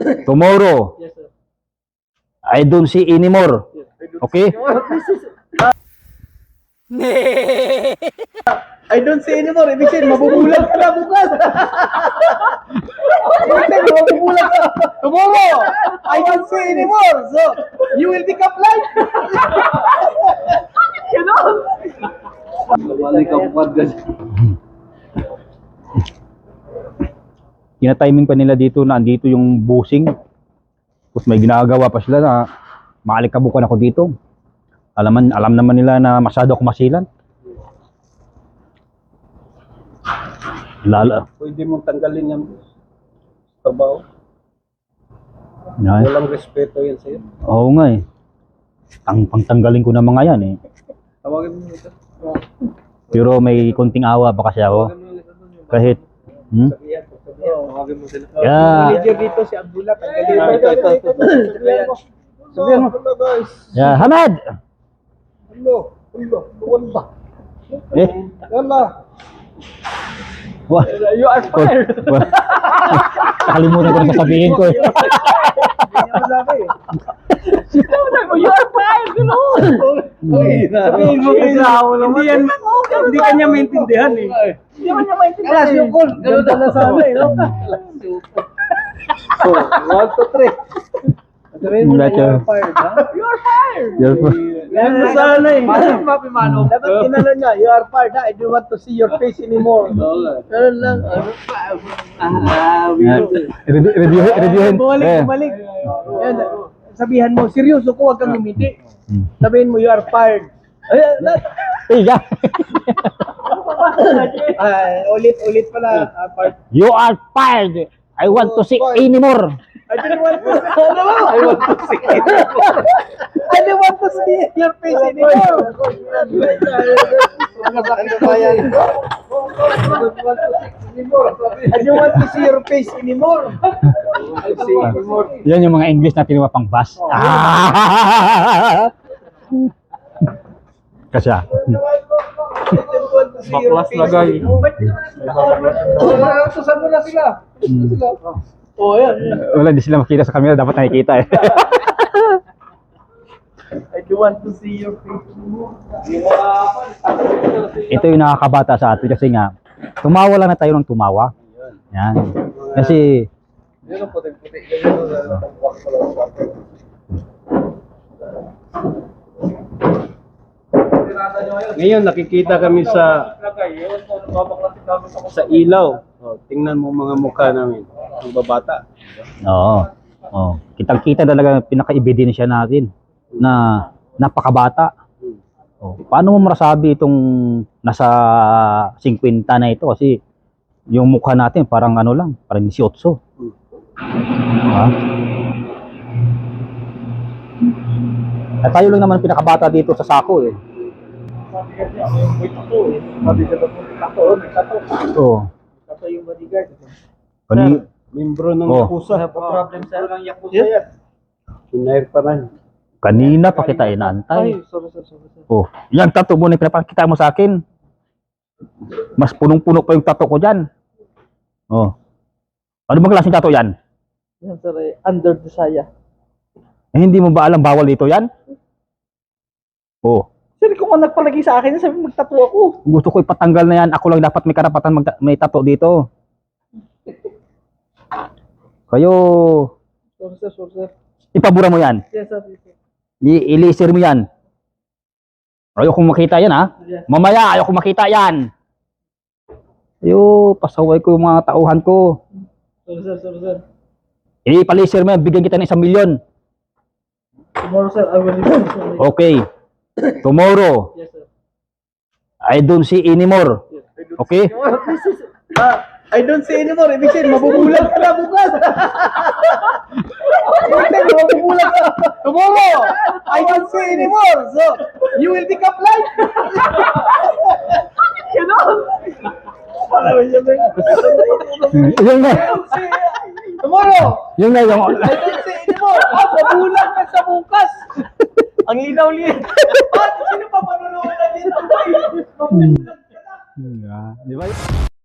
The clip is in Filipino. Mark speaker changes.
Speaker 1: Tomorrow,
Speaker 2: Yes, sir.
Speaker 1: I don't see anymore. Okay?
Speaker 2: I don't see anymore. Ibig sabihin, mabubulag ka na bukas. Ibig sabihin, mabubulag ka. Tomorrow, I don't see anymore. So, you will become blind. You know? Balik ang podcast.
Speaker 1: Tina-timing pa nila dito na andito yung busing. Tapos may ginagawa pa sila na maalikabukan ako dito. Alam naman nila na masyado ako masilan. Lala.
Speaker 2: Pwede mong tanggalin yung trabaho.
Speaker 1: Yan.
Speaker 2: Walang respeto yan sa'yo.
Speaker 1: Oo nga eh. Pangtanggalin ko na mga yan eh.
Speaker 2: Tawagin mo ito.
Speaker 1: Pero may konting awa pa kasi ako. Kahit
Speaker 2: Tawagin mo sila.
Speaker 1: Yeah.
Speaker 2: Manager dito si Abdullah. Tanggalin mo. Ito. Sabihan mo. Guys.
Speaker 1: Yeah, Hamad.
Speaker 2: Hello. Wala.
Speaker 1: Eh,
Speaker 2: Wala.
Speaker 1: wah.
Speaker 2: You are fired.
Speaker 1: Nakalimutan ko na sasabihin ko eh.
Speaker 2: You are fired, you know. Sabihin mo kasi hindi kanya maintindihan eh. Hindi kanya maintindihan. Alas yung call. Ganda na sana eh, no? So, 1, 2, 3. Sabihin mo na you are fired, ha? You are fired. Ganda sana eh. Mapimano. Dapat kinala niya, you are fired, ha? I don't want to see your face anymore. Ganun lang.
Speaker 1: Reviewin.
Speaker 2: Bumalik. Yan. Sabihan mo, seryoso ko, huwag kang ngumiti. Sabihin mo, you are fired.
Speaker 1: Yeah.
Speaker 2: Ulit pala. Fired.
Speaker 1: You are fired. I want to see anymore.
Speaker 2: I didn't want to. I want to see anymore. I didn't want to see your face anymore. I don't want to see your face anymore.
Speaker 1: Yan yung mga English na tinuwa pang bus. Kasya.
Speaker 2: Baklas lagay. Susan mo na sila. Oh, yan.
Speaker 1: Wala, hindi sila makita sa camera. Dapat nakikita eh.
Speaker 2: I do want to see your face.
Speaker 1: Ito yung nakakabata sa atin kasi nga, tumawa lang na tayo ng tumawa. Yan. Kasi,
Speaker 2: Yan ang puti-puti. Ngayon nakikita kami sa ilaw. Oh, tingnan mo mga mukha namin, ang babata.
Speaker 1: oo. Oh, kitang-kita talaga pinaka-ebidensya natin na napakabata. Oh, paano mo masasabi itong nasa 50 na ito kasi yung mukha natin parang ano lang, parang 18. Ha? At tayo lang naman pinakabata dito sa sako eh. Oo.
Speaker 2: Ito yung bodyguard.
Speaker 3: Membro ng
Speaker 1: Oh.
Speaker 3: Yakuza.
Speaker 2: Problem sa lang Yakuza yan.
Speaker 3: Hinair pa rin.
Speaker 1: Kanina pa kita inaantay.
Speaker 2: Sorry.
Speaker 1: Oh, yan tattoo mo na pinapakita mo sa akin. Mas punong-puno pa yung tattoo ko diyan. Oh. Ano bang klaseng tattoo yan?
Speaker 2: Yan sir, under the saya.
Speaker 1: Eh, hindi mo ba alam bawal dito yan? Oh.
Speaker 2: Sir, kung ang nagpalagay sa akin, sabi magtattoo ako.
Speaker 1: Gusto ko ipatanggal na yan. Ako lang dapat may karapatan may tattoo dito. Kayo,
Speaker 2: Sorry sir.
Speaker 1: ipabura mo yan.
Speaker 2: Yes sir.
Speaker 1: I-laser mo yan. Ayoko makita yan ha.
Speaker 2: Yes.
Speaker 1: Mamaya, ayoko makita yan. Pasaway ko yung mga tauhan ko.
Speaker 2: Sorry sir.
Speaker 1: Ipalaser mo yan, bigyan kita ng 1 milyon.
Speaker 2: Tomorrow sir, I will leave sir.
Speaker 1: Okay. Tomorrow,
Speaker 2: Yes sir.
Speaker 1: I don't see anymore. Okay?
Speaker 2: I don't see anymore. Ibig sabihin, mabubulag ka na bukas. Ibig sabihin, mabubulag ka. Tomorrow, I don't see anymore. So, you will become blind. You know?
Speaker 1: Yung nga,
Speaker 2: Tomorrow,
Speaker 1: yung nga, yung...
Speaker 2: I don't see anymore. Mabubulag na sa bukas. Ang linaw-linaw. Sino pa manunood na dito? Mabubulag ka na.
Speaker 1: Di ba?